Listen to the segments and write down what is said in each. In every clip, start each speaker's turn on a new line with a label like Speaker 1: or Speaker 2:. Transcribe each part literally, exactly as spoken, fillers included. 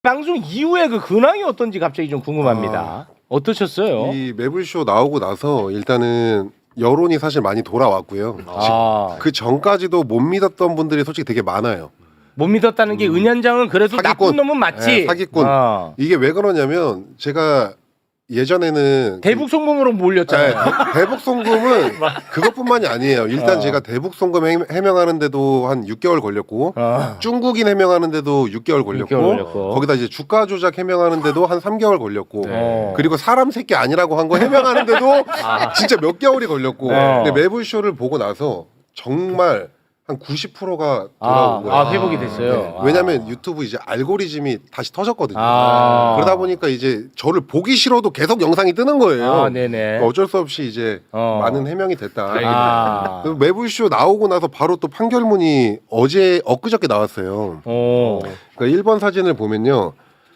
Speaker 1: 방송 이후에 그 근황이 어떤지 갑자기 좀 궁금합니다.
Speaker 2: 아,
Speaker 1: 어떠셨어요?
Speaker 2: 이 매불쇼 나오고 나서 일단은 여론이 사실 많이 돌아왔고요.
Speaker 1: 아.
Speaker 2: 그 전까지도 못 믿었던 분들이 솔직히 되게 많아요.
Speaker 1: 못 믿었다는 게 은현장은 그래도
Speaker 2: 사기꾼.
Speaker 1: 나쁜 놈은 맞지.
Speaker 2: 네, 사기꾼.
Speaker 1: 어.
Speaker 2: 이게 왜 그러냐면 제가 예전에는
Speaker 1: 대북 송금으로 몰렸잖아요.
Speaker 2: 네, 대북 송금은 그것뿐만이 아니에요. 일단
Speaker 1: 어.
Speaker 2: 제가 대북 송금 해- 해명하는데도 한 육 개월 걸렸고
Speaker 1: 어.
Speaker 2: 중국인 해명하는데도 육 개월 걸렸고,
Speaker 1: 육 개월 걸렸고.
Speaker 2: 거기다 이제 주가 조작 해명하는데도 한 삼 개월 걸렸고
Speaker 1: 네.
Speaker 2: 그리고 사람 새끼 아니라고 한 거 해명하는데도 진짜 몇 개월이 걸렸고
Speaker 1: 어.
Speaker 2: 근데 매불쇼를 보고 나서 정말 한 구십 퍼센트가 돌아온
Speaker 1: 아,
Speaker 2: 거예요.
Speaker 1: 아, 회복이 됐어요.
Speaker 2: 네. 왜냐면 유튜브 이제 알고리즘이 다시 터졌거든요.
Speaker 1: 아.
Speaker 2: 그러다 보니까 이제 저를 보기 싫어도 계속 영상이 뜨는 거예요.
Speaker 1: 아, 네네.
Speaker 2: 어쩔 수 없이 이제
Speaker 1: 어.
Speaker 2: 많은 해명이 됐다.
Speaker 1: 아.
Speaker 2: 그리고 매불쇼 나오고 나서 바로 또 판결문이 어제 엊그저께 나왔어요.
Speaker 1: 오.
Speaker 2: 그러니까 일 번 사진을 보면요.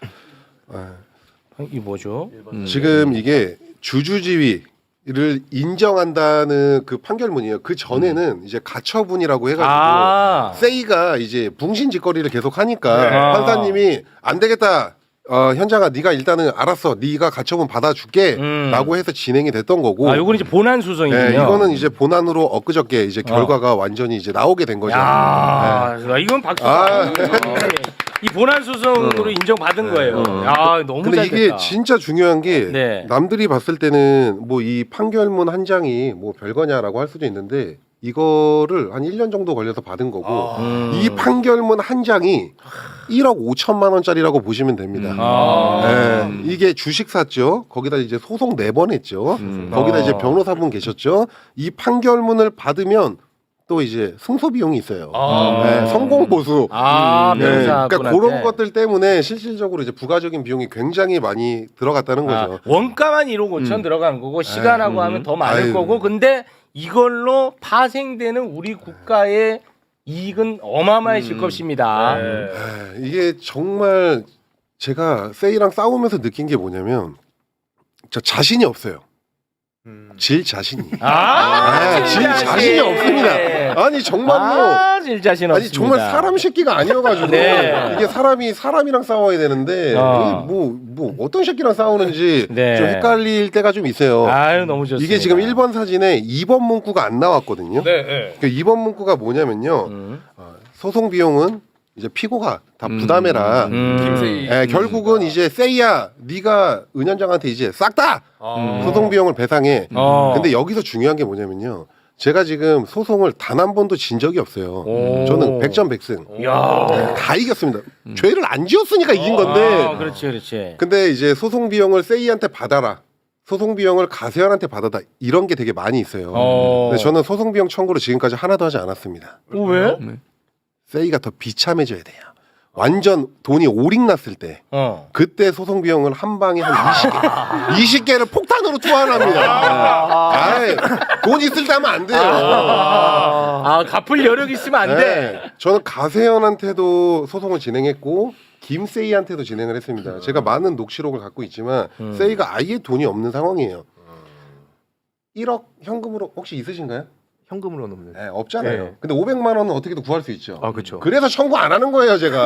Speaker 1: 이 뭐죠? 음.
Speaker 2: 지금 이게 주주지위를 인정한다는 그 판결문이에요. 그 전에는 이제 가처분이라고 해가지고
Speaker 1: 아.
Speaker 2: 세이가 이제 붕신짓거리를 계속 하니까
Speaker 1: 네.
Speaker 2: 판사님이 안 되겠다. 어, 현장아 네가 일단은 알았어. 네가 가처분 받아줄게.
Speaker 1: 음.
Speaker 2: 라고 해서 진행이 됐던 거고.
Speaker 1: 아, 요건 이제 본안 수성이군요.
Speaker 2: 네, 이거는 이제 본안으로 엊그저께 이제 결과가 완전히 이제 나오게 된 거죠.
Speaker 1: 야, 이건 박수.
Speaker 2: 아.
Speaker 1: 이 본안 수성으로 인정받은 거예요. 야, 너무
Speaker 2: 근데
Speaker 1: 잘
Speaker 2: 이게
Speaker 1: 됐다.
Speaker 2: 진짜 중요한 게
Speaker 1: 네.
Speaker 2: 남들이 봤을 때는 뭐 이 판결문 한 장이 뭐 별거냐라고 할 수도 있는데 이거를 한 일 년 정도 걸려서 받은 거고
Speaker 1: 음.
Speaker 2: 이 판결문 한 장이 일억 오천만 원짜리라고 보시면 됩니다.
Speaker 1: 아.
Speaker 2: 네, 이게 주식 샀죠. 거기다 이제 소송 네 번 했죠. 거기다 이제
Speaker 1: 어.
Speaker 2: 변호사분 계셨죠. 이 판결문을 받으면 또 이제 승소 비용이 있어요.
Speaker 1: 아.
Speaker 2: 네, 성공 보수.
Speaker 1: 아,
Speaker 2: 네,
Speaker 1: 변호사분한테.
Speaker 2: 그러니까 그런 것들 때문에 실질적으로 이제 부가적인 비용이 굉장히 많이 들어갔다는
Speaker 1: 아,
Speaker 2: 거죠.
Speaker 1: 원가만 일억 오천 들어간 거고 시간하고 하면 더 많을
Speaker 2: 아유.
Speaker 1: 거고 근데 이걸로 파생되는 우리 국가의 이익은 어마어마해질 것입니다.
Speaker 2: 에, 이게 정말 제가 세이랑 싸우면서 느낀 게 뭐냐면 저 자신이 없어요. 질 자신이.
Speaker 1: 아,
Speaker 2: 아, 질 자신이 없습니다. 아니 정말로.
Speaker 1: 아, 질 자신
Speaker 2: 아니
Speaker 1: 없습니다.
Speaker 2: 정말 사람 새끼가 아니어가지고
Speaker 1: 네.
Speaker 2: 이게 사람이 사람이랑 싸워야 되는데
Speaker 1: 어.
Speaker 2: 뭐뭐 뭐 어떤 새끼랑 싸우는지
Speaker 1: 네.
Speaker 2: 좀 헷갈릴 때가 좀 있어요.
Speaker 1: 아유, 너무 좋습니다.
Speaker 2: 이게 지금 일 번 사진에 이 번 문구가 안 나왔거든요.
Speaker 3: 네, 네.
Speaker 2: 그 이 번 문구가 뭐냐면요.
Speaker 1: 음.
Speaker 2: 어, 소송 비용은 이제 피고가 다 부담해라.
Speaker 1: 음.
Speaker 3: 김세희.
Speaker 2: 예, 결국은 이제 세이야, 네가 은현장한테 이제 싹 다
Speaker 3: 아.
Speaker 2: 소송 비용을 배상해.
Speaker 1: 어.
Speaker 2: 근데 여기서 중요한 게 뭐냐면요. 제가 지금 소송을 단 한 번도 진 적이 없어요.
Speaker 1: 오.
Speaker 2: 저는 백전백승.
Speaker 1: 야.
Speaker 2: 다 이겼습니다. 죄를 안 지었으니까 이긴 건데.
Speaker 1: 아, 그렇지, 그렇지.
Speaker 2: 근데 이제 소송 비용을 세이한테 받아라. 소송 비용을 가세현한테 받아다. 이런 게 되게 많이 있어요.
Speaker 1: 어.
Speaker 2: 근데 저는 소송 비용 청구를 지금까지 하나도 하지 않았습니다.
Speaker 1: 어, 왜?
Speaker 2: 세이가 더 비참해져야 돼요. 완전 돈이 오링 났을 때
Speaker 1: 어.
Speaker 2: 그때 소송 비용을 한 방에 한 이십 개, 이십 개를 폭탄으로 투하합니다. 아이, 돈 있을 때 하면 안 돼요.
Speaker 1: 아, 갚을 여력 있으면 안 돼.
Speaker 2: 네, 저는 가세현한테도 소송을 진행했고 김세이한테도 진행을 했습니다. 제가 많은 녹취록을 갖고 있지만 세이가 아예 돈이 없는 상황이에요. 일억 현금으로 혹시 있으신가요?
Speaker 4: 현금으로는 없는.
Speaker 2: 네, 없잖아요.
Speaker 4: 네.
Speaker 2: 근데 오백만 원은 어떻게든 구할 수 있죠.
Speaker 4: 아 그렇죠.
Speaker 2: 그래서 청구 안 하는 거예요, 제가.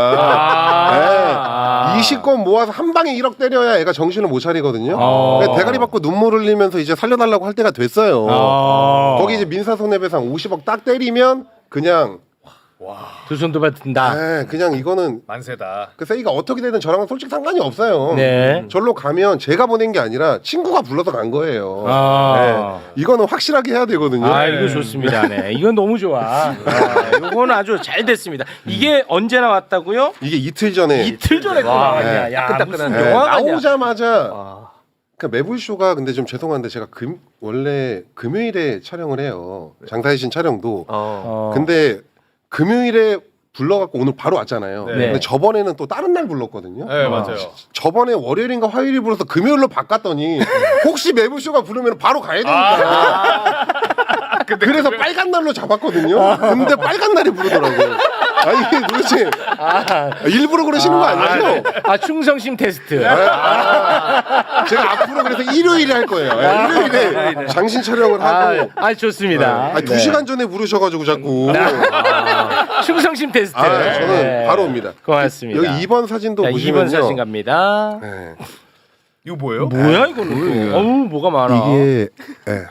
Speaker 1: 아.
Speaker 2: 네. 이십 건 모아서 한 방에 일억 때려야 애가 정신을 못 차리거든요.
Speaker 1: 아.
Speaker 2: 그래서 대가리 받고 눈물 흘리면서 이제 살려달라고 할 때가 됐어요.
Speaker 1: 아.
Speaker 2: 거기 이제 민사손해배상 오십억 딱 때리면 그냥
Speaker 1: 두 손도 받든다.
Speaker 2: 네, 그냥 이거는
Speaker 3: 만세다.
Speaker 2: 그 세이가 어떻게 되든 저랑은 솔직히 상관이 없어요.
Speaker 1: 네.
Speaker 2: 절로 가면 제가 보낸 게 아니라 친구가 불러서 간 거예요.
Speaker 1: 아.
Speaker 2: 네. 이거는 확실하게 해야 되거든요.
Speaker 1: 아, 이거 좋습니다. 네. 이건 너무 좋아. 아, 이건 아주 잘 됐습니다. 이게 언제 나왔다고요?
Speaker 2: 이게 이틀 전에
Speaker 1: 이틀 전에 또
Speaker 4: 와,
Speaker 1: 나왔냐.
Speaker 2: 네.
Speaker 1: 야,
Speaker 4: 따끈따끈한.
Speaker 1: 무슨
Speaker 2: 네,
Speaker 1: 영화가 아니야.
Speaker 2: 나오자마자
Speaker 4: 아,
Speaker 2: 그 매불쇼가 근데 좀 죄송한데 제가 금 원래 금요일에 촬영을 해요. 장사의 신 촬영도.
Speaker 4: 어.
Speaker 1: 어.
Speaker 2: 근데 금요일에 불러갖고 오늘 바로 왔잖아요.
Speaker 3: 네.
Speaker 2: 근데 저번에는 또 다른 날 불렀거든요.
Speaker 3: 네, 맞아요.
Speaker 2: 저번에 월요일인가 화요일에 불러서 금요일로 바꿨더니 혹시 매불쇼가 부르면 바로 가야 되니까. 그래서 빨간 날로 잡았거든요. 근데 빨간 날이 부르더라고요. 아니 이게 도대체
Speaker 1: 아,
Speaker 2: 일부러 그러시는 거 아니죠?
Speaker 1: 아, 충성심 테스트.
Speaker 2: 아, 제가 앞으로 그래서 일요일에 할 거예요. 네, 일요일에 장신 촬영을
Speaker 1: 아,
Speaker 2: 하고.
Speaker 1: 아, 좋습니다.
Speaker 2: 아, 두 시간 전에 부르셔가지고 자꾸.
Speaker 1: 아, 충성심 테스트.
Speaker 2: 아, 저는
Speaker 1: 네.
Speaker 2: 바로 옵니다.
Speaker 1: 고맙습니다.
Speaker 2: 여기 이 번 사진도
Speaker 1: 자,
Speaker 2: 보시면요.
Speaker 1: 이 번 사진 갑니다.
Speaker 2: 네.
Speaker 3: 이거 뭐예요?
Speaker 1: 뭐야 이거는? 어우 뭐가 많아.
Speaker 2: 이게 예,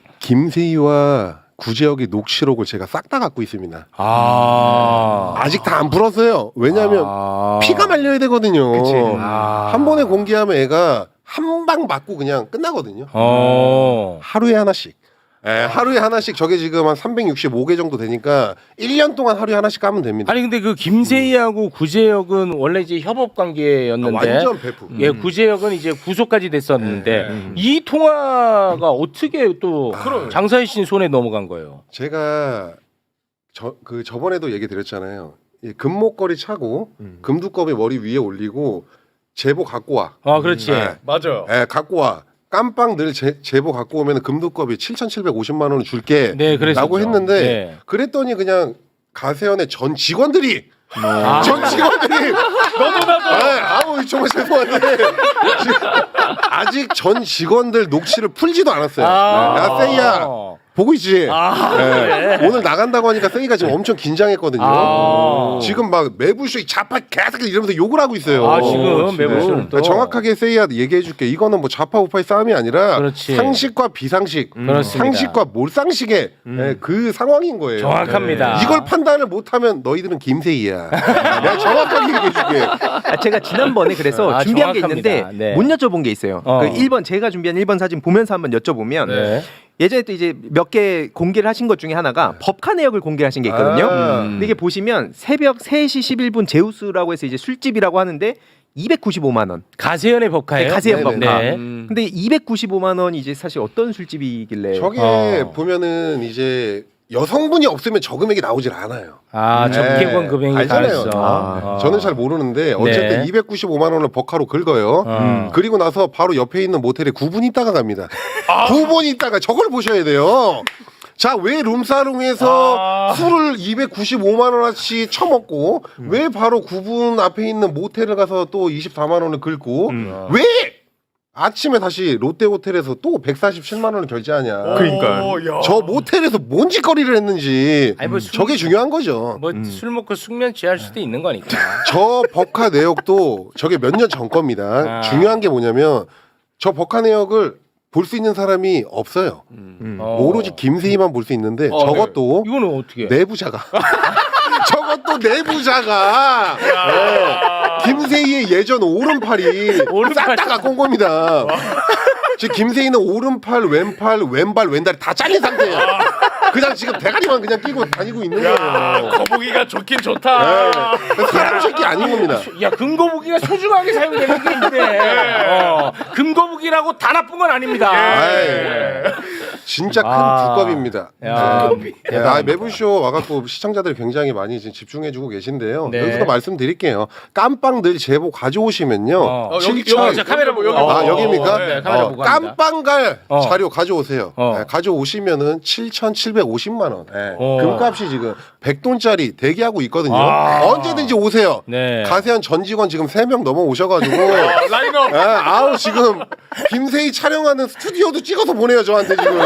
Speaker 2: 김세희와 구제혁의 녹취록을 제가 싹 다 갖고 있습니다.
Speaker 1: 아
Speaker 2: 아직 다 안 풀었어요. 왜냐하면
Speaker 1: 아.
Speaker 2: 피가 말려야 되거든요.
Speaker 1: 아.
Speaker 2: 한 번에 공개하면 애가 한 방 맞고 그냥 끝나거든요.
Speaker 1: 어.
Speaker 2: 하루에 하나씩. 예, 하루에 하나씩 저게 지금 한 삼백육십오 개 정도 되니까 일 년 동안 하루에 하나씩 까면 됩니다.
Speaker 1: 아니 근데 그 김세희하고 구제혁은 원래 이제 협업 관계였는데
Speaker 2: 아, 완전 베프.
Speaker 1: 예, 구제혁은 이제 구속까지 됐었는데
Speaker 2: 네.
Speaker 1: 이 통화가 어떻게 또
Speaker 2: 아.
Speaker 1: 장사희 씨 손에 넘어간 거예요?
Speaker 2: 제가 저 그 저번에도 얘기 드렸잖아요. 이 금목걸이 차고 금두꺼비 머리 위에 올리고 제보 갖고 와.
Speaker 1: 아, 그렇지.
Speaker 2: 네.
Speaker 3: 맞아요.
Speaker 2: 예, 갖고 와. 깜빵 늘 제, 제보 갖고 오면 금두꺼비 칠천칠백오십만 원을 줄게.
Speaker 1: 네, 그랬었죠.
Speaker 2: 라고 했는데
Speaker 1: 네.
Speaker 2: 그랬더니 그냥 가세연의 전 직원들이
Speaker 1: 아.
Speaker 2: 전 직원들이
Speaker 3: 너도 나도.
Speaker 2: 아, 아우 정말 죄송한데 지금 아직 전 직원들 녹취를 풀지도 않았어요.
Speaker 1: 아.
Speaker 2: 야 세이야 보고 있지.
Speaker 1: 아,
Speaker 2: 네. 오늘 나간다고 하니까 세이가 지금 엄청 긴장했거든요.
Speaker 1: 아.
Speaker 2: 지금 막 매부쇼 좌파 계속 이러면서 욕을 하고 있어요.
Speaker 1: 아, 지금
Speaker 2: 네.
Speaker 1: 매부쇼는 또.
Speaker 2: 정확하게 세이야 얘기해줄게. 이거는 뭐 좌파 우파의 싸움이 아니라
Speaker 1: 그렇지.
Speaker 2: 상식과 비상식,
Speaker 1: 그렇습니다.
Speaker 2: 상식과 몰상식의 네, 그 상황인 거예요.
Speaker 1: 정확합니다.
Speaker 2: 이걸 판단을 못하면 너희들은 김세희야. 내가 정확하게 얘기해줄게.
Speaker 4: 아, 제가 지난번에 그래서
Speaker 1: 아,
Speaker 4: 준비한
Speaker 1: 정확합니다.
Speaker 4: 게 있는데
Speaker 1: 네.
Speaker 4: 못 여쭤본 게 있어요.
Speaker 1: 어.
Speaker 4: 그 일 번 제가 준비한 일 번 사진 보면서 한번 여쭤보면
Speaker 1: 네.
Speaker 4: 예전에 또 이제 몇 개 공개를 하신 것 중에 하나가 법카 내역을 공개하신 게 있거든요.
Speaker 2: 아.
Speaker 4: 근데 이게 보시면 새벽 세 시 십일 분 제우스라고 해서 이제 술집이라고 하는데 이백구십오만 원.
Speaker 1: 가세연의 법카예요?
Speaker 4: 네, 가세연
Speaker 2: 네네.
Speaker 4: 법카.
Speaker 1: 네.
Speaker 3: 음.
Speaker 4: 근데 이백구십오만 원이 이제 사실 어떤 술집이길래
Speaker 2: 저게
Speaker 1: 어.
Speaker 2: 보면은 이제 여성분이 없으면 저 금액이 나오질 않아요.
Speaker 1: 아,
Speaker 2: 네.
Speaker 1: 적개권 금액이
Speaker 2: 알잖아요.
Speaker 1: 다르죠.
Speaker 4: 아,
Speaker 1: 어.
Speaker 2: 저는 잘 모르는데 어쨌든
Speaker 1: 네.
Speaker 2: 이백구십오만 원을 버카로 긁어요.
Speaker 1: 음.
Speaker 2: 그리고 나서 바로 옆에 있는 모텔에 구 분 있다가 갑니다. 구 분 있다가 저걸 보셔야 돼요. 자, 왜 룸사롱에서
Speaker 1: 아.
Speaker 2: 술을 이백구십오만 원어치 처먹고 왜 바로 구 분 앞에 있는 모텔을 가서 또 이십사만 원을 긁고 왜 아침에 다시 롯데호텔에서 또 백사십칠만 원을 결제하냐.
Speaker 3: 그러니까.
Speaker 2: 저 모텔에서 뭔 짓거리를 했는지
Speaker 1: 아니, 뭐 술-
Speaker 2: 저게 중요한 거죠.
Speaker 1: 뭐 술 먹고 숙면 취할 수도 있는 거니까.
Speaker 2: 저 법카 내역도 저게 몇 년 전 겁니다.
Speaker 1: 아.
Speaker 2: 중요한 게 뭐냐면 저 법카 내역을 볼 수 있는 사람이 없어요.
Speaker 4: 음.
Speaker 1: 어.
Speaker 2: 오로지 김세희만 볼 수 있는데
Speaker 3: 어,
Speaker 2: 저것도
Speaker 1: 이거는 어떻게?
Speaker 2: 내부자가 저것도 내부자가 네. 김세희의 예전 오른팔이
Speaker 1: 오른팔.
Speaker 2: 싹 다 갖고 온 겁니다. 지금 김세희는 오른팔, 왼팔, 왼발, 왼다리 다 잘린 상태예요. 그냥 지금 대가리만 그냥 끼고 다니고 있는
Speaker 3: 야,
Speaker 2: 거예요.
Speaker 3: 거북이가 좋긴 좋다.
Speaker 2: 네. 사람 새끼 아닌 겁니다.
Speaker 1: 야, 금거북이가 소중하게 사용되는 게 있는데. 어, 금거북이라고 다 나쁜 건 아닙니다.
Speaker 2: 아이, 진짜 큰
Speaker 1: 아.
Speaker 2: 두껍입니다.
Speaker 1: 야,
Speaker 2: 네,
Speaker 1: 대단합니다.
Speaker 2: 아, 매부쇼 와갖고 시청자들이 굉장히 많이 지금 집중해주고 계신데요.
Speaker 1: 네.
Speaker 2: 여기서도 말씀드릴게요. 깜빵 늘 제보 가져오시면요.
Speaker 1: 어.
Speaker 3: 어, 여기
Speaker 2: 칠천
Speaker 3: 여기
Speaker 1: 자, 카메라 보고.
Speaker 3: 여기.
Speaker 2: 아
Speaker 1: 어,
Speaker 2: 여기입니까?
Speaker 1: 네, 카메라
Speaker 2: 어,
Speaker 1: 보고 합니다.
Speaker 2: 깜빵갈
Speaker 1: 어.
Speaker 2: 자료 가져오세요.
Speaker 1: 어.
Speaker 2: 네, 가져오시면은 칠천칠백오십만 원. 네.
Speaker 1: 어.
Speaker 2: 금값이 지금 백 돈짜리 대기하고 있거든요.
Speaker 1: 아.
Speaker 2: 언제든지 오세요.
Speaker 1: 네.
Speaker 2: 가세한 전 직원 지금 세 명 넘어 오셔가지고.
Speaker 3: 어, 라인업.
Speaker 2: 네, 아우 지금 김세희 촬영하는 스튜디오도 찍어서 보내요 저한테 지금.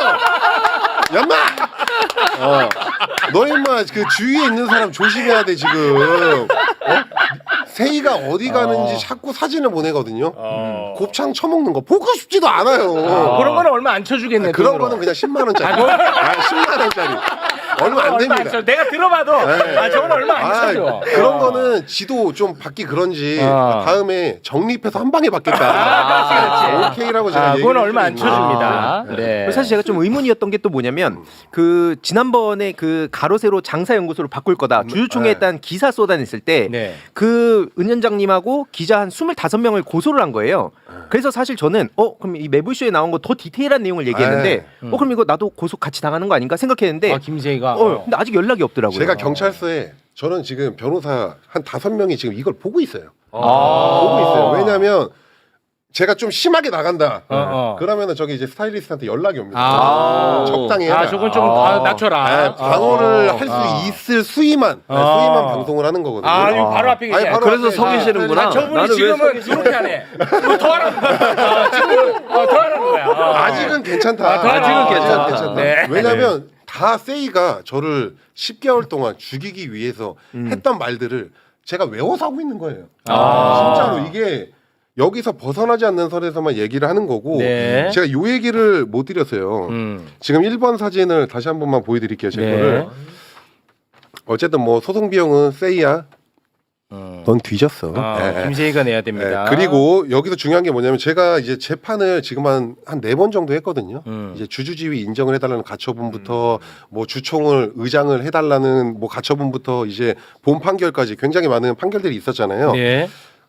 Speaker 2: 연마. 어. 너 임마 그 주위에 있는 사람 조심해야 돼 지금. 어? 세희가 어디 가는지
Speaker 1: 어.
Speaker 2: 자꾸 사진을 보내거든요.
Speaker 3: 어.
Speaker 2: 곱창 처먹는 거 보고 싶지도 않아요.
Speaker 1: 어, 그런 거는 얼마 안 쳐주겠네.
Speaker 2: 그런
Speaker 1: 돈으로.
Speaker 2: 거는 그냥 십만 원짜리.
Speaker 1: 아, 뭐?
Speaker 2: 아, 십만 원짜리. 얼마 안
Speaker 1: 얼마
Speaker 2: 됩니다.
Speaker 1: 쳐. 내가 들어봐도
Speaker 2: 네.
Speaker 1: 아, 저건 얼마 안
Speaker 2: 아,
Speaker 1: 쳐줘.
Speaker 2: 그런
Speaker 1: 어.
Speaker 2: 거는 지도 좀 받기 그런지
Speaker 1: 어.
Speaker 2: 다음에 정립해서 한 방에 받겠다.
Speaker 1: 아, 그렇지, 그렇지.
Speaker 2: 오케이라고 제가
Speaker 1: 아, 그건
Speaker 2: 얘기를
Speaker 1: 얼마 안
Speaker 2: 해드립니다.
Speaker 1: 쳐줍니다.
Speaker 2: 아,
Speaker 1: 네.
Speaker 4: 그리고 사실 제가 좀 의문이었던 게 또 뭐냐면 그 지난번에 그 가로세로 장사연구소로 바꿀 거다 주주총회에
Speaker 2: 네.
Speaker 4: 딴 기사 쏟아냈을 때
Speaker 1: 네.
Speaker 4: 그 은연장님하고 기자 한 스물다섯 명을 고소를 한 거예요. 그래서 사실 저는 어 그럼 이 매불쇼에 나온 거 더 디테일한 내용을 얘기했는데
Speaker 1: 음.
Speaker 4: 어 그럼 이거 나도 고소 같이 당하는 거 아닌가 생각했는데
Speaker 1: 아, 김세희가.
Speaker 4: 어 근데 아직 연락이 없더라고요.
Speaker 2: 제가 경찰서에 저는 지금 변호사 한 다섯 명이 지금 이걸 보고 있어요.
Speaker 1: 아.
Speaker 2: 보고 있어요. 왜냐하면 제가 좀 심하게 나간다.
Speaker 1: 어, 어.
Speaker 2: 그러면은 저기 이제 스타일리스트한테 연락이 옵니다.
Speaker 1: 아.
Speaker 2: 적당히 해라.
Speaker 1: 아, 저건 좀
Speaker 4: 아.
Speaker 1: 아, 낮춰라.
Speaker 2: 네, 방어를
Speaker 1: 아.
Speaker 2: 할 수
Speaker 1: 아.
Speaker 2: 있을 수위만 네,
Speaker 1: 아.
Speaker 2: 수위만 방송을 하는 거거든요.
Speaker 1: 아, 이거 바로 앞에 계시네.
Speaker 2: 아니, 바로
Speaker 5: 그래서
Speaker 2: 앞에
Speaker 5: 서
Speaker 2: 다
Speaker 5: 계시는구나.
Speaker 1: 아, 저분이
Speaker 5: 나는 왜
Speaker 1: 지금은 이렇게 하네. 이거 더 하라는 거야. 아, 지금 어, 더 하라는 거야. 어.
Speaker 2: 아직은 괜찮다.
Speaker 1: 아, 더 하라는
Speaker 2: 아직은
Speaker 1: 거야.
Speaker 2: 괜찮다.
Speaker 1: 아,
Speaker 2: 괜찮다.
Speaker 1: 네.
Speaker 2: 왜냐하면 다 세이가 저를 십 개월 동안 죽이기 위해서
Speaker 4: 음.
Speaker 2: 했던 말들을 제가 외워서 하고 있는 거예요.
Speaker 1: 아.
Speaker 2: 진짜로 이게 여기서 벗어나지 않는 선에서만 얘기를 하는 거고
Speaker 1: 네.
Speaker 2: 제가 요 얘기를 못 드렸어요.
Speaker 1: 음.
Speaker 2: 지금 일 번 사진을 다시 한 번만 보여드릴게요. 제
Speaker 1: 네.
Speaker 2: 거를. 어쨌든 뭐 소송 비용은 세이야.
Speaker 1: 음.
Speaker 2: 넌 뒤졌어.
Speaker 1: 아,
Speaker 2: 예, 예.
Speaker 1: 김세희가 내야 됩니다.
Speaker 2: 예, 그리고 여기서 중요한 게 뭐냐면 제가 이제 재판을 지금 한 한 네 번 정도 했거든요.
Speaker 1: 음.
Speaker 2: 이제 주주지위 인정을 해달라는 가처분부터 뭐 주총을 의장을 해달라는 뭐 가처분부터 이제 본 판결까지 굉장히 많은 판결들이 있었잖아요.
Speaker 1: 네.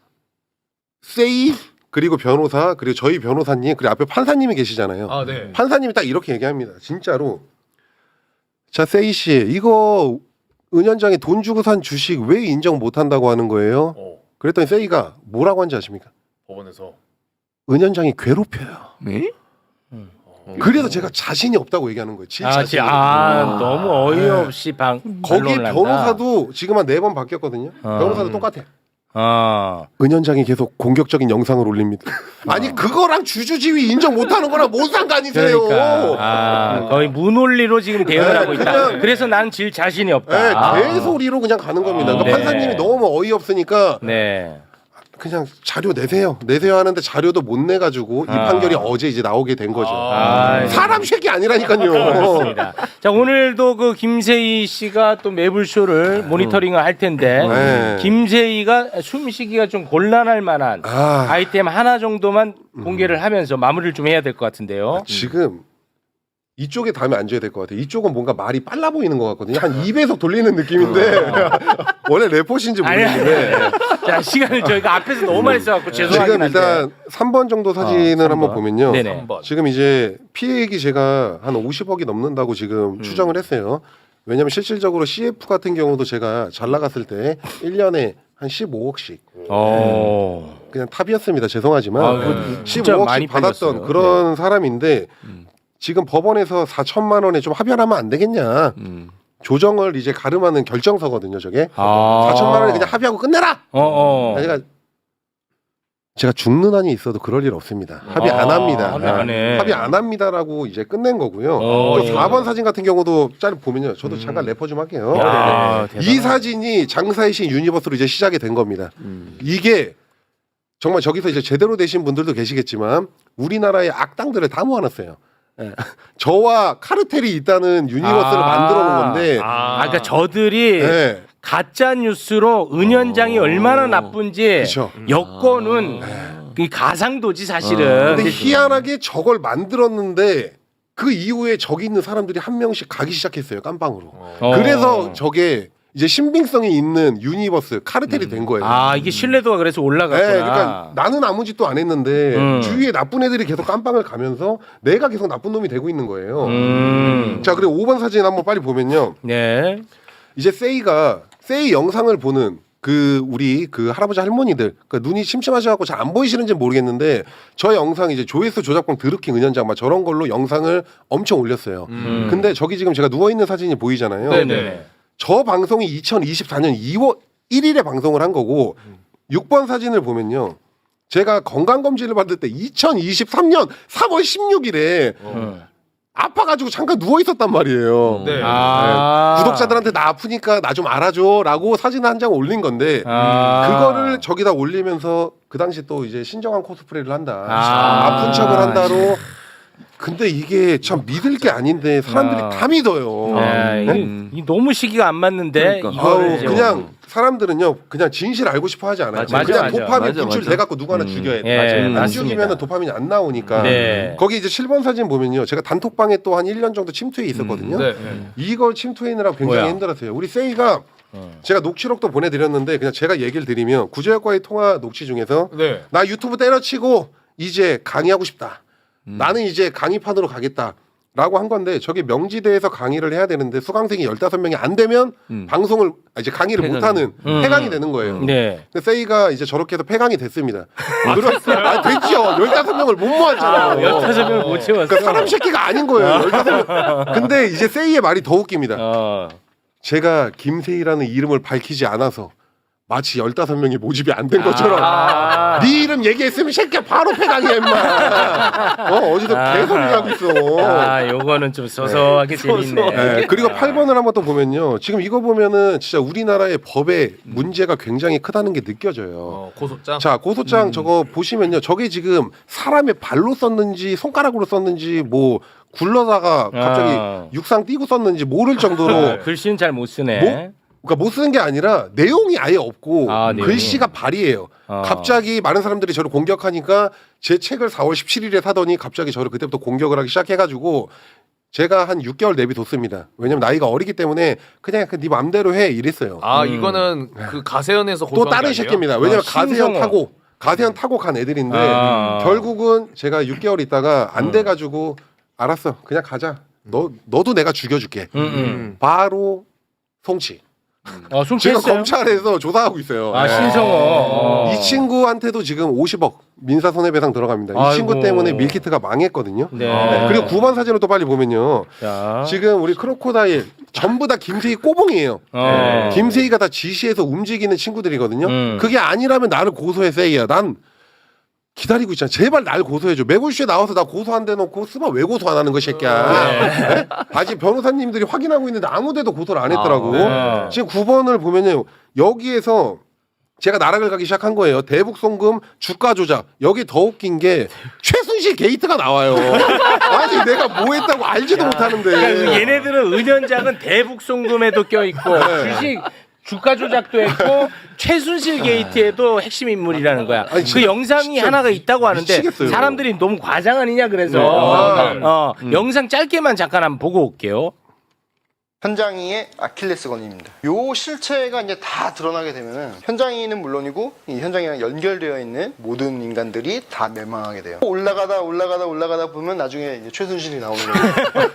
Speaker 2: 세이 그리고 변호사 그리고 저희 변호사님 그리고 앞에 판사님이 계시잖아요.
Speaker 3: 아, 네.
Speaker 2: 판사님이 딱 이렇게 얘기합니다. 진짜로. 자 세이 씨 이거 은현장에 돈 주고 산 주식 왜 인정 못한다고 하는 거예요?
Speaker 3: 어,
Speaker 2: 그랬더니 세이가 뭐라고 한지 아십니까?
Speaker 3: 법원에서.
Speaker 2: 은현장이 괴롭혀요.
Speaker 4: 네?
Speaker 3: 어.
Speaker 2: 그래서 제가 자신이 없다고 얘기하는 거예요. 지
Speaker 1: 아,
Speaker 2: 자신이.
Speaker 1: 지, 아, 너무 어이없이 방
Speaker 2: 거기
Speaker 1: 반론을 한다.
Speaker 2: 변호사도 지금 한 네 번 바뀌었거든요.
Speaker 1: 어.
Speaker 2: 변호사도 똑같아.
Speaker 1: 아,
Speaker 2: 은현장이 계속 공격적인 영상을 올립니다. 아니 그거랑 주주지위 인정 못하는 거랑 뭔 상관이세요?
Speaker 1: 그러니까 아, 거의 무논리로 지금 대응을
Speaker 2: 네,
Speaker 1: 하고 있다.
Speaker 2: 그냥-
Speaker 1: 그래서 난 질 자신이
Speaker 2: 네,
Speaker 1: 없다.
Speaker 2: 개소리로 그냥 가는 겁니다. 그러니까
Speaker 1: 네.
Speaker 2: 판사님이 너무 어이없으니까
Speaker 1: 네.
Speaker 2: 그냥 자료 내세요. 내세요 하는데 자료도 못 내가지고 이
Speaker 1: 아.
Speaker 2: 판결이 어제 이제 나오게 된 거죠.
Speaker 1: 아,
Speaker 2: 사람 새끼 아니라니까요.
Speaker 1: 그렇습니다. 자, 오늘도 그 김세희 씨가 또 매불쇼를 모니터링을 할 텐데
Speaker 2: 네.
Speaker 1: 김세희가 숨쉬기가 좀 곤란할 만한
Speaker 2: 아,
Speaker 1: 아이템 하나 정도만 공개를 하면서 마무리를 좀 해야 될 것 같은데요.
Speaker 2: 지금 이쪽에 다음에 앉아야 될 것 같아요. 이쪽은 뭔가 말이 빨라 보이는 것 같거든요. 한 이 배속 돌리는 느낌인데 원래 래퍼신지
Speaker 1: 아니, 아니,
Speaker 2: 모르겠는데
Speaker 1: 아니. 자, 시간을 저희가 앞에서 너무 많이 써갖고 죄송하긴
Speaker 2: 지금
Speaker 1: 한데.
Speaker 2: 일단 삼 번 정도 사진을
Speaker 1: 어, 삼
Speaker 2: 한번
Speaker 1: 번.
Speaker 2: 보면요.
Speaker 1: 네네.
Speaker 3: 한 번.
Speaker 2: 지금 이제 피해액이 제가 한 오십억이 넘는다고 지금
Speaker 1: 음.
Speaker 2: 추정을 했어요. 왜냐하면 실질적으로 씨에프 같은 경우도 제가 잘 나갔을 때 일 년에 한 십오억씩
Speaker 1: 어.
Speaker 2: 그냥 탑이었습니다. 죄송하지만
Speaker 1: 아, 그거 진짜 많이
Speaker 2: 십오억씩 받았던
Speaker 1: 팔렸어요.
Speaker 2: 그런 사람인데
Speaker 1: 음.
Speaker 2: 지금 법원에서 사천만 원에 좀 합의하면 안 되겠냐.
Speaker 1: 음.
Speaker 2: 조정을 이제 가름하는 결정서거든요. 저게
Speaker 1: 아.
Speaker 2: 사천만 원에 그냥 합의하고 끝내라.
Speaker 1: 어, 어.
Speaker 2: 그러니까 제가 죽는 한이 있어도 그럴 일 없습니다. 합의 안
Speaker 1: 아,
Speaker 2: 합니다.
Speaker 1: 합의 안 해.
Speaker 2: 합의 안 합니다라고 이제 끝낸 거고요.
Speaker 1: 어.
Speaker 2: 또 사 번 사진 같은 경우도 짤 보면요. 저도 잠깐 래퍼 좀 할게요.
Speaker 1: 야,
Speaker 2: 이
Speaker 1: 대단하다.
Speaker 2: 사진이 장사의 신 유니버스로 이제 시작이 된 겁니다. 이게 정말 저기서 이제 제대로 되신 분들도 계시겠지만 우리나라의 악당들을 다 모아놨어요. 예. 저와 카르텔이 있다는 유니버스를
Speaker 1: 아.
Speaker 2: 만들어 놓은 건데
Speaker 1: 아, 그러니까 저들이
Speaker 2: 예.
Speaker 1: 가짜 뉴스로 은현장이 얼마나 나쁜지
Speaker 2: 그쵸.
Speaker 1: 여권은 그 가상도지 사실은.
Speaker 2: 근데 희한하게 저걸 만들었는데 그 이후에 저기 있는 사람들이 한 명씩 가기 시작했어요. 깜빵으로.
Speaker 1: 어.
Speaker 2: 그래서 저게 이제 신빙성이 있는 유니버스 카르텔이 된 거예요.
Speaker 1: 아, 이게 신뢰도가 그래서 올라갔구나.
Speaker 2: 네, 그러니까 나는 아무 짓도 안 했는데
Speaker 1: 음.
Speaker 2: 주위에 나쁜 애들이 계속 깜빵을 가면서 내가 계속 나쁜 놈이 되고 있는 거예요.
Speaker 1: 음.
Speaker 2: 자, 그리고 오 번 사진 한번 빨리 보면요.
Speaker 1: 네.
Speaker 2: 이제 세이가 세이 영상을 보는 그 우리 그 할아버지 할머니들 그러니까 눈이 침침하셔갖고 잘 안 보이시는지 모르겠는데 저 영상 이제 조회수 조작권 드루킹 은현장 막 저런 걸로 영상을 엄청 올렸어요.
Speaker 1: 음.
Speaker 2: 근데 저기 지금 제가 누워 있는 사진이 보이잖아요.
Speaker 1: 네네.
Speaker 2: 저 방송이 이천이십사 년 이월 일 일에 방송을 한 거고 육 번 사진을 보면요. 제가 건강검진을 받을 때 이천이십삼 년 삼월 십육일에
Speaker 1: 음.
Speaker 2: 아파가지고 잠깐 누워 있었단 말이에요.
Speaker 3: 네.
Speaker 1: 아.
Speaker 2: 네. 구독자들한테 나 아프니까 나 좀 알아줘라고 사진 한 장 올린 건데
Speaker 1: 아.
Speaker 2: 그거를 저기다 올리면서 그 당시 또 이제 신정한 코스프레를 한다.
Speaker 1: 아.
Speaker 2: 아픈 척을 한다로. 근데 이게 참 믿을 게 아닌데 사람들이
Speaker 1: 아.
Speaker 2: 다 믿어요.
Speaker 1: 아,
Speaker 2: 네?
Speaker 1: 이, 이 너무 시기가 안 맞는데
Speaker 4: 그러니까.
Speaker 1: 이거를
Speaker 2: 아우,
Speaker 1: 이제
Speaker 2: 그냥 사람들은요 그냥 진실 알고 싶어 하지 않아요.
Speaker 1: 맞아,
Speaker 2: 그냥
Speaker 1: 맞아.
Speaker 2: 도파민
Speaker 4: 맞아,
Speaker 2: 분출
Speaker 4: 맞아.
Speaker 2: 돼갖고 누구 하나
Speaker 4: 음.
Speaker 2: 죽여야 돼.
Speaker 1: 예,
Speaker 2: 안
Speaker 1: 맞습니다.
Speaker 2: 죽이면 도파민이 안 나오니까.
Speaker 1: 네.
Speaker 2: 거기 이제 칠 번 사진 보면요. 제가 단톡방에 또 한 일 년 정도 침투해 있었거든요.
Speaker 3: 네.
Speaker 2: 이걸 침투해느라고 굉장히
Speaker 1: 뭐야?
Speaker 2: 힘들었어요. 우리 세이가
Speaker 1: 음.
Speaker 2: 제가 녹취록도 보내드렸는데 그냥 제가 얘기를 드리면 구조역과의 통화 녹취 중에서
Speaker 3: 네.
Speaker 2: 나 유튜브 때려치고 이제 강의하고 싶다. 나는 이제 강의판으로 가겠다. 라고 한 건데 저기 명지대에서 강의를 해야 되는데 수강생이 열다섯 명이 안 되면
Speaker 4: 음.
Speaker 2: 방송을 아, 이제 강의를
Speaker 4: 폐강이.
Speaker 2: 못하는
Speaker 1: 음.
Speaker 2: 폐강이 되는 거예요.
Speaker 1: 네.
Speaker 2: 근데 세이가 이제 저렇게 해서 폐강이 됐습니다. 그렇, 아, 됐죠. 열다섯 명을 못 모았잖아요.
Speaker 1: 열다섯 명을 못 채웠어.
Speaker 2: 그러니까 사람 새끼가 아닌 거예요. 열다섯 명. 근데 이제 세이의 말이 더 웃깁니다.
Speaker 1: 어.
Speaker 2: 제가 김세희라는 이름을 밝히지 않아서 마치 열다섯 명이 모집이 안 된 것처럼
Speaker 1: 아.
Speaker 2: 네 이름 얘기했으면 새끼야 바로 패당해 임마. 어 어디서 개소리를 하고 있어.
Speaker 1: 아, 요거는 좀 소소하게 재밌네.
Speaker 2: 네, 그리고 팔 번을 한번 또 보면요. 지금 이거 보면은 진짜 우리나라의 법에 문제가 굉장히 크다는 게 느껴져요.
Speaker 3: 어, 고소장.
Speaker 2: 자 고소장 저거 보시면요. 저게 지금 사람의 발로 썼는지 손가락으로 썼는지 뭐 굴러다가 갑자기
Speaker 1: 아.
Speaker 2: 육상 뛰고 썼는지 모를 정도로
Speaker 1: 어, 글씨는 잘 못 쓰네.
Speaker 2: 뭐? 그러니까 못 쓰는 게 아니라 내용이 아예 없고
Speaker 1: 아, 내용이.
Speaker 2: 글씨가 발이에요.
Speaker 1: 어.
Speaker 2: 갑자기 많은 사람들이 저를 공격하니까 제 책을 사월 십칠일에 사더니 갑자기 저를 그때부터 공격을 하기 시작해가지고 제가 한 육 개월 내비뒀습니다. 왜냐면 나이가 어리기 때문에 그냥 네 맘대로 해 이랬어요.
Speaker 3: 아
Speaker 1: 음.
Speaker 3: 이거는 그 가세연에서
Speaker 2: 또
Speaker 3: 고소한
Speaker 2: 다른
Speaker 3: 게 아니에요?
Speaker 2: 새끼입니다. 왜냐면
Speaker 1: 아,
Speaker 2: 가세현
Speaker 1: 신성어.
Speaker 2: 타고 가세현 타고 간 애들인데
Speaker 1: 아.
Speaker 2: 결국은 제가 육 개월 있다가 안 돼가지고 알았어 그냥 가자. 너 너도 내가 죽여줄게.
Speaker 1: 음, 음.
Speaker 2: 바로 송치.
Speaker 1: 어,
Speaker 2: 지금
Speaker 1: 숨겼어요?
Speaker 2: 검찰에서 조사하고 있어요.
Speaker 1: 아,
Speaker 2: 네.
Speaker 1: 신성어. 어.
Speaker 2: 이 친구한테도 지금 오십억 민사 손해배상 들어갑니다. 이
Speaker 1: 아이고.
Speaker 2: 친구 때문에 밀키트가 망했거든요.
Speaker 1: 네.
Speaker 2: 네. 그리고 구 번 사진을 또 빨리 보면요.
Speaker 1: 자.
Speaker 2: 지금 우리 크로코다일 전부 다 김세희 꼬봉이에요.
Speaker 1: 어.
Speaker 2: 김세희가 다 지시해서 움직이는 친구들이거든요.
Speaker 1: 음.
Speaker 2: 그게 아니라면 나를 고소해 세이야. 난 기다리고 있잖아. 제발 날 고소해줘. 매불쇼에 나와서 나 고소 안 대놓고 스마 왜 고소 안 하는 거 새끼야. 네? 아직 변호사님들이 확인하고 있는데 아무데도 고소를 안 했더라고.
Speaker 1: 아, 네.
Speaker 2: 지금 구 번을 보면요. 여기에서 제가 나락을 가기 시작한 거예요. 대북 송금 주가 조작. 여기 더 웃긴 게 최순실 게이트가 나와요. 아니 내가 뭐 했다고 알지도 못하는데.
Speaker 1: 그러니까 얘네들은 은연작은 대북 송금에도 껴있고
Speaker 2: 네.
Speaker 1: 주식 주가 조작도 했고 최순실 게이트에도 핵심 인물이라는 거야.
Speaker 2: 아니,
Speaker 1: 그
Speaker 2: 진짜-
Speaker 1: 영상이
Speaker 2: 진짜
Speaker 1: 하나가 있다고 하는데
Speaker 2: 미치겠어요.
Speaker 1: 사람들이 너무 과장 아니냐 그래서
Speaker 2: 네. 아.
Speaker 1: 어, 영상 짧게만 잠깐 한번 보고 올게요.
Speaker 5: 현장이의 아킬레스건입니다. 요 실체가 이제 다 드러나게 되면은 현장이는 물론이고 이 현장이랑 연결되어 있는 모든 인간들이 다 멸망하게 돼요. 올라가다 올라가다 올라가다 보면 나중에 이제 최순실이 나오는 거예요.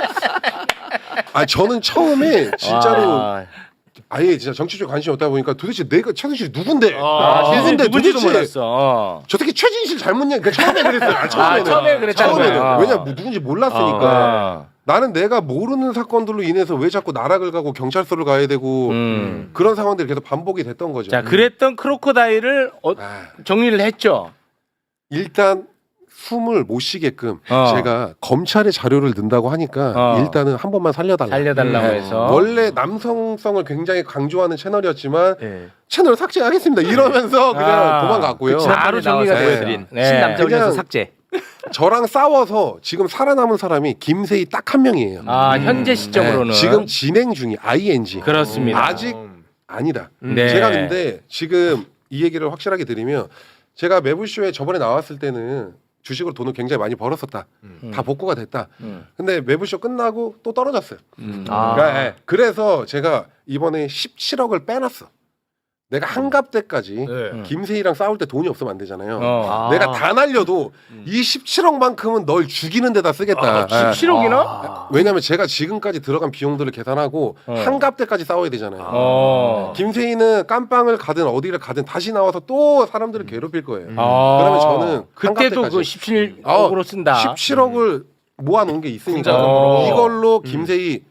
Speaker 2: 아 저는 처음에 진짜로
Speaker 1: 와.
Speaker 2: 아예 진짜 정치 쪽에 관심이 없다 보니까 도대체 내가 최순실이 누군데?
Speaker 1: 아,
Speaker 2: 누군데
Speaker 1: 누군지도
Speaker 2: 도대체
Speaker 1: 몰랐어. 어.
Speaker 2: 저 새끼 최진실 잘못 냐 그러니까 처음에 그랬어요. 아, 처음에는.
Speaker 1: 아, 처음에 그랬다는
Speaker 2: 처음에는.
Speaker 1: 거야.
Speaker 2: 왜냐 뭐 누군지 몰랐으니까.
Speaker 1: 아.
Speaker 2: 나는 내가 모르는 사건들로 인해서 왜 자꾸 나락을 가고 경찰서를 가야 되고
Speaker 1: 음.
Speaker 2: 그런 상황들이 계속 반복이 됐던 거죠.
Speaker 1: 자, 그랬던 크로코다일을 어,
Speaker 2: 아,
Speaker 1: 정리를 했죠.
Speaker 2: 일단 숨을 못 쉬게끔
Speaker 1: 어.
Speaker 2: 제가 검찰의 자료를 넣는다고 하니까
Speaker 1: 어.
Speaker 2: 일단은 한 번만 살려달라.
Speaker 1: 살려달라고
Speaker 2: 네.
Speaker 1: 해서.
Speaker 2: 원래 남성성을 굉장히 강조하는 채널이었지만
Speaker 4: 네.
Speaker 2: 채널 삭제하겠습니다. 이러면서 그냥
Speaker 1: 아,
Speaker 2: 도망갔고요.
Speaker 1: 그쵸. 바로 정리가
Speaker 2: 나와서
Speaker 1: 보여드린. 네.
Speaker 4: 신남정에서
Speaker 2: 그냥-
Speaker 4: 삭제.
Speaker 2: 저랑 싸워서 지금 살아남은 사람이 김세희 딱 한 명이에요.
Speaker 1: 아, 현재 시점으로는
Speaker 2: 네, 지금 진행 중이 아이엔지.
Speaker 1: 그렇습니다.
Speaker 2: 아직 아니다.
Speaker 1: 네.
Speaker 2: 제가 근데 지금 이 얘기를 확실하게 드리면 제가 매불쇼에 저번에 나왔을 때는 주식으로 돈을 굉장히 많이 벌었었다. 다 복구가 됐다.
Speaker 1: 음.
Speaker 2: 근데 매불쇼 끝나고 또 떨어졌어요.
Speaker 4: 아.
Speaker 2: 그러니까, 예. 그래서 제가 이번에 십칠억을 빼놨어. 내가 한갑 때까지
Speaker 3: 네.
Speaker 2: 김세희랑 싸울 때 돈이 없으면 안 되잖아요.
Speaker 1: 어.
Speaker 4: 아.
Speaker 2: 내가 다 날려도 이 십칠억만큼은 널 죽이는 데다 쓰겠다. 예.
Speaker 1: 십칠억이나?
Speaker 4: 아.
Speaker 2: 왜냐면 제가 지금까지 들어간 비용들을 계산하고
Speaker 1: 어.
Speaker 2: 한갑 때까지 싸워야 되잖아요.
Speaker 1: 어.
Speaker 2: 김세희는 깜빵을 가든 어디를 가든 다시 나와서 또 사람들을 괴롭힐 거예요.
Speaker 1: 아.
Speaker 2: 그러면 저는
Speaker 1: 그때도
Speaker 2: 한갑
Speaker 1: 그
Speaker 2: 때까지.
Speaker 1: 십칠억으로 쓴다.
Speaker 2: 십칠억을 모아놓은 게 있으니까
Speaker 1: 어.
Speaker 2: 이걸로 김세희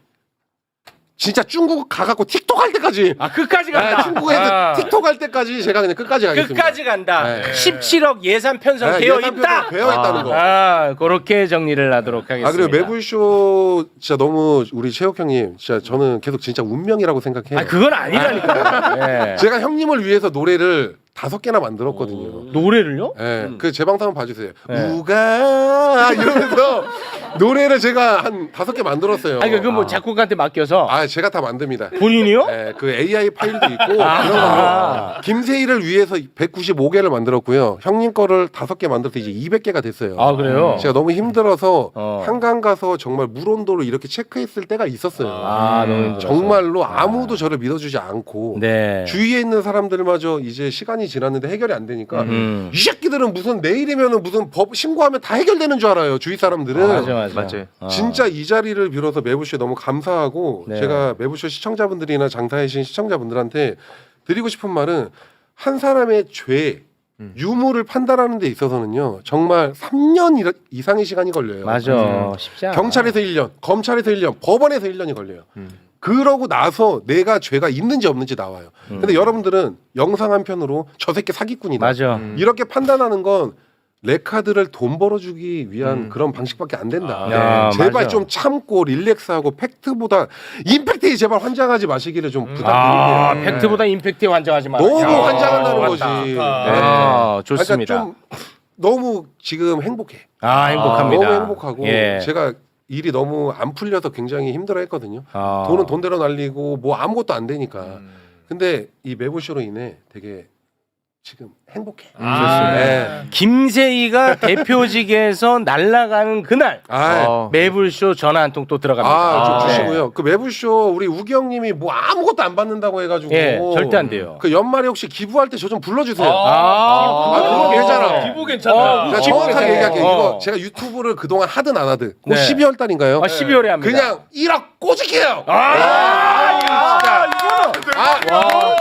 Speaker 2: 진짜 중국 가갖고 틱톡 할 때까지
Speaker 1: 아, 끝까지
Speaker 2: 아,
Speaker 1: 간다.
Speaker 2: 중국에서
Speaker 1: 아.
Speaker 2: 틱톡 할 때까지 제가 그냥 끝까지 가겠습니다.
Speaker 1: 끝까지 간다.
Speaker 2: 네.
Speaker 1: 십칠억 예산 편성
Speaker 2: 네,
Speaker 1: 되어
Speaker 2: 예산
Speaker 1: 있다.
Speaker 2: 편성 되어 있다는 거.
Speaker 1: 아, 그렇게 정리를 하도록 하겠습니다.
Speaker 2: 아 그리고 매불쇼 진짜 너무 우리 최욱 형님 진짜 저는 계속 진짜 운명이라고 생각해요.
Speaker 1: 아, 그건 아니라니까. 예.
Speaker 2: 제가 형님을 위해서 노래를 다섯 개나 만들었거든요.
Speaker 1: 노래를요?
Speaker 2: 예, 그 제 방송 한번 봐주세요.
Speaker 1: 네.
Speaker 2: 우가 이러면서 노래를 제가 한 다섯 개 만들었어요.
Speaker 1: 아니, 그뭐 작곡가한테 맡겨서
Speaker 2: 아, 제가 다 만듭니다.
Speaker 1: 본인이요?
Speaker 2: 예, 그 에이아이 파일도 있고
Speaker 1: 아.
Speaker 2: 그런 걸로 김세희를 위해서 백구십오 개를 만들었고요. 형님 거를 다섯 개 만들어서 이제 이백 개가 됐어요.
Speaker 1: 아, 그래요?
Speaker 2: 제가 너무 힘들어서
Speaker 1: 어.
Speaker 2: 한강 가서 정말 물 온도를 이렇게 체크했을 때가 있었어요.
Speaker 1: 아, 너무 힘들어서.
Speaker 2: 정말로 아무도 저를 믿어주지 않고
Speaker 1: 네.
Speaker 2: 주위에 있는 사람들마저 이제 시간이 지났는데 해결이 안 되니까
Speaker 1: 음.
Speaker 2: 이 새끼들은 무슨 내일이면은 무슨 법 신고하면 다 해결되는 줄 알아요. 주위 사람들은.
Speaker 1: 맞아, 맞아.
Speaker 4: 맞아요.
Speaker 1: 어.
Speaker 2: 진짜 이 자리를 빌어서 매부쇼에 너무 감사하고
Speaker 1: 네.
Speaker 2: 제가 매부쇼 시청자분들이나 장사해신 시청자분들한테 드리고 싶은 말은 한 사람의 죄 유무를 판단하는 데 있어서는요 정말 삼 년 이상의 시간이 걸려요.
Speaker 1: 맞아. 쉽지 않아.
Speaker 2: 경찰에서 일 년, 검찰에서 일 년, 법원에서 일 년이 걸려요. 그러고 나서 내가 죄가 있는지 없는지 나와요. 근데 여러분들은 영상 한 편으로 저 새끼 사기꾼이다.
Speaker 1: 맞아.
Speaker 4: 음.
Speaker 2: 이렇게 판단하는 건 레카드를 돈 벌어주기 위한 그런 방식밖에 안 된다.
Speaker 1: 아, 야,
Speaker 2: 제발
Speaker 1: 맞아.
Speaker 2: 좀 참고 릴렉스하고 팩트보다 임팩트에 제발 환장하지 마시기를 좀
Speaker 1: 아,
Speaker 2: 부탁드립니다.
Speaker 1: 팩트보다 임팩트에 환장하지 마라.
Speaker 2: 너무
Speaker 1: 야,
Speaker 2: 환장한다는
Speaker 1: 맞다.
Speaker 2: 거지.
Speaker 1: 아, 좋습니다.
Speaker 2: 그러니까 좀 너무 지금 행복해.
Speaker 1: 아, 행복합니다.
Speaker 2: 너무 행복하고
Speaker 1: 예.
Speaker 2: 제가 일이 너무 안 풀려서 굉장히 힘들어했거든요.
Speaker 1: 아.
Speaker 2: 돈은 돈대로 날리고 뭐 아무것도 안 되니까. 근데 이 매부쇼로 인해 되게 지금 행복해.
Speaker 1: 아,
Speaker 2: 네.
Speaker 1: 김세희가 대표직에서 날아가는 그날
Speaker 2: 아,
Speaker 4: 어.
Speaker 1: 매불쇼 전화 한 통 또 들어갑니다.
Speaker 2: 아, 좀
Speaker 1: 아,
Speaker 2: 주시고요. 그 매부쇼 우리 우기 형님이 뭐 아무것도 안 받는다고 해가지고.
Speaker 1: 예, 절대 안 돼요.
Speaker 2: 그 연말에 혹시 기부할 때 저 좀 불러주세요.
Speaker 1: 아,
Speaker 2: 아, 그거 괜찮아.
Speaker 3: 기부 괜찮아.
Speaker 1: 어,
Speaker 2: 제가
Speaker 1: 어,
Speaker 2: 정확하게
Speaker 1: 괜찮아요.
Speaker 2: 얘기할게요.
Speaker 1: 어.
Speaker 2: 이거 제가 유튜브를 그동안 하든 안 하든 곧
Speaker 1: 네.
Speaker 2: 십이월 달인가요?
Speaker 1: 아, 십이월에 합니다.
Speaker 2: 그냥 일억 꼬집게요.
Speaker 1: 아,
Speaker 2: 아,
Speaker 1: 아,
Speaker 2: 진짜. 아,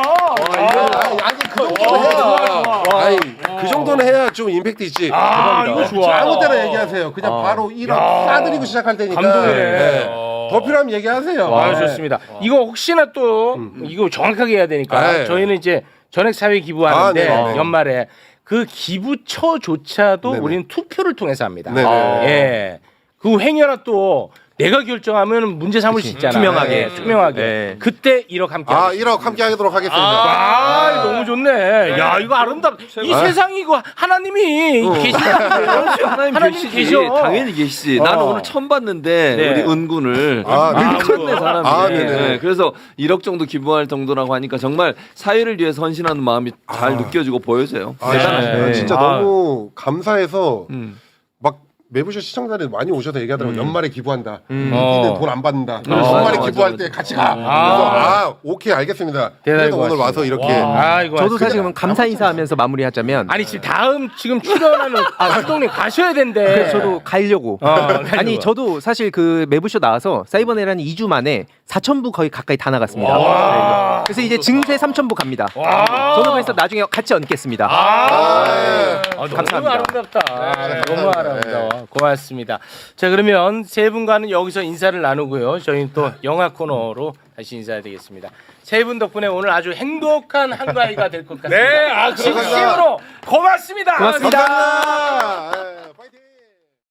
Speaker 2: 아니, 아니 그 정도는 해야. 아니 그 정도는 해야 좀 임팩트 있지.
Speaker 1: 아, 이거 좋아.
Speaker 2: 아무 때나 얘기하세요. 그냥 바로 일억 싸드리고 시작할 테니까.
Speaker 1: 감동이네.
Speaker 2: 네. 더 필요하면 얘기하세요.
Speaker 1: 아,
Speaker 2: 네.
Speaker 1: 좋습니다. 이거 혹시나 또 이거 정확하게 해야 되니까
Speaker 2: 네.
Speaker 1: 저희는 이제 전액 사회 기부하는데
Speaker 2: 아, 네.
Speaker 1: 연말에 그 기부처조차도
Speaker 2: 네네.
Speaker 1: 우리는 투표를 통해서 합니다.
Speaker 2: 네네.
Speaker 1: 아. 예. 그 행여나 또 내가 결정하면 문제 삼을 수 있잖아.
Speaker 4: 투명하게.
Speaker 1: 예, 투명하게.
Speaker 4: 네.
Speaker 1: 그때 일억 함께.
Speaker 2: 아
Speaker 1: 하겠습니다.
Speaker 2: 일억 함께 하도록 하겠습니다.
Speaker 1: 아, 너무 좋네. 야, 이거 아름답. 이
Speaker 2: 아.
Speaker 1: 세상이 이거 하나님이 계시다.
Speaker 6: 하나님,
Speaker 1: 하나님
Speaker 6: 계시지.
Speaker 1: 계셔.
Speaker 6: 당연히 계시지.
Speaker 1: 어.
Speaker 6: 나는 오늘 처음 봤는데
Speaker 1: 네.
Speaker 6: 우리 은군을
Speaker 2: 아,
Speaker 6: 미쳤네 사람이.
Speaker 2: 아, 네네.
Speaker 6: 네, 그래서 일억 정도 기부할 정도라고 하니까 정말 사회를 위해서 헌신하는 마음이 잘
Speaker 2: 아.
Speaker 6: 느껴지고 보여져요.
Speaker 2: 아,
Speaker 6: 대단하시네요.
Speaker 1: 네.
Speaker 2: 진짜
Speaker 1: 아.
Speaker 2: 너무 감사해서
Speaker 6: 음.
Speaker 2: 막 매부쇼 시청자들이 많이 오셔서 얘기하더라고요. 연말에 기부한다.
Speaker 1: 어.
Speaker 2: 우리는 돈 안 받는다.
Speaker 6: 아,
Speaker 2: 연말에
Speaker 6: 맞아,
Speaker 2: 기부할
Speaker 6: 맞아.
Speaker 2: 때 같이 가. 그래서
Speaker 1: 아.
Speaker 2: 아, 오케이 알겠습니다.
Speaker 1: 대단히
Speaker 2: 그래서 오늘
Speaker 1: 고맙습니다.
Speaker 2: 와서 이렇게
Speaker 1: 아, 이거
Speaker 4: 저도
Speaker 1: 맞습니다.
Speaker 4: 사실 그럼 감사 인사하면서 마무리하자면
Speaker 1: 아니 지금 다음 지금 출연하는 감독님 가셔야 된대.
Speaker 4: 그래서 저도 가려고.
Speaker 1: 어, 가려고.
Speaker 4: 아니 저도 사실 그 매부쇼 나와서 사이버네라는 이 주 만에 사천 부 거의 가까이 다 나갔습니다.
Speaker 1: 와.
Speaker 4: 그래서 이제 증세 삼천 부 갑니다.
Speaker 1: 와.
Speaker 4: 저도 그래서 나중에 같이 얹겠습니다.
Speaker 1: 아,
Speaker 2: 네.
Speaker 1: 아, 너무
Speaker 4: 감사합니다.
Speaker 1: 아름답다. 너무 아름다워. 고맙습니다. 자, 그러면 세 분과는 여기서 인사를 나누고요. 저희는 또 영화 코너로 다시 인사드리겠습니다. 세 분 덕분에 오늘 아주 행복한 한가위가 될 것 같습니다. 네, 아, 진심으로 고맙습니다.
Speaker 4: 고맙습니다.
Speaker 2: 감사합니다.